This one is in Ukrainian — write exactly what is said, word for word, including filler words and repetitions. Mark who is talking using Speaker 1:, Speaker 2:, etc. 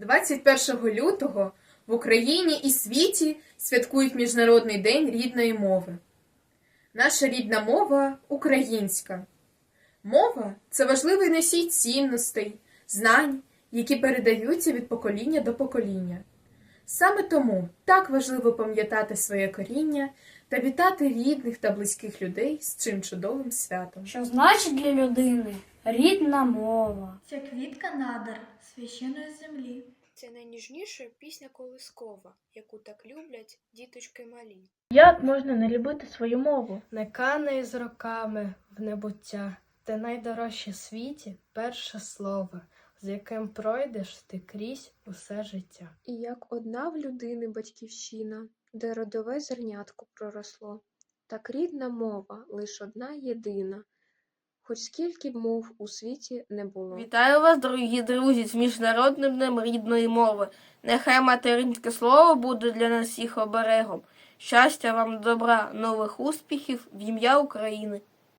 Speaker 1: двадцять першого лютого в Україні і світі святкують Міжнародний день рідної мови. Наша рідна мова – українська. Мова – це важливий носій цінностей, знань, які передаються від покоління до покоління. Саме тому так важливо пам'ятати своє коріння та вітати рідних та близьких людей з цим чудовим святом.
Speaker 2: Що значить для людини рідна мова?
Speaker 3: Це квітка надр священої землі.
Speaker 4: Це найніжніша пісня колискова, яку так люблять діточки малі.
Speaker 5: Як можна не любити свою мову?
Speaker 6: Не канай з роками в небуття, те найдорожче в світі перше слово, з яким пройдеш ти крізь усе життя.
Speaker 7: І як одна в людини батьківщина, де родове зернятко проросло, так рідна мова лиш одна єдина, хоч скільки б мов у світі не було.
Speaker 8: Вітаю вас, дорогі друзі, з Міжнародним днем рідної мови. Нехай материнське слово буде для нас всіх оберегом. Щастя вам, добра, нових успіхів в ім'я України.